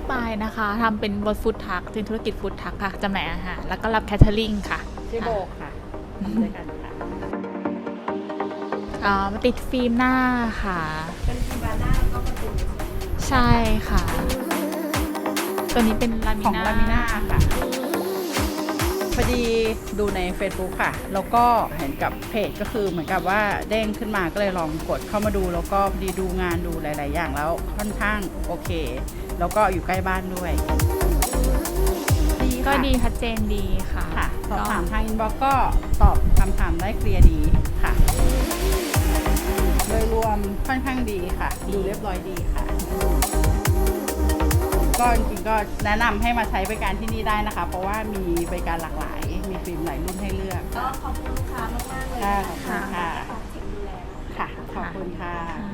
ไปนะคะทำเป็นรถฟู้ดทรัคเป็นธุรกิจฟู้ดทรัคค่ะจำหน่ายอาหารแล้วก็รับแคทเทอริงค่ะชื่อโบค่ะด้วยกันค่ะมาติดฟิล์มหน้าค่ะเป็นฟิล์มหน้าแล้วก็ประตูใช่ค่ะตัวนี้เป็นลามิของน่าลามิน่าค่ะพอดีดูใน Facebook ค่ะแล้วก็เห็นกับเพจก็คือเหมือนกับว่าเด้งขึ้นมาก็เลยลองกดเข้ามาดูแล้วก็พอดีดูงานดูหลายๆอย่างแล้วค่อนข้างโอเคแล้วก็อยู่ใกล้บ้านด้วยก็ดีชัดเจนดีค่ะค่ะสอบถามทางอินบ็อกซ์ก็ตอบคำถามได้เคลียร์ดีค่ะโดยรวมค่อนข้างดีค่ะดูเรียบร้อยดีค่ะก็จริงๆก็แนะนำให้มาใช้บริการที่นี่ได้นะคะเพราะว่ามีบริการหลากหลายมีฟิล์มหลายรุ่นให้เลือกก็ขอบคุณลูกค้ามากๆเลยขอบคุณค่ะค่ะขอบคุณค่ะ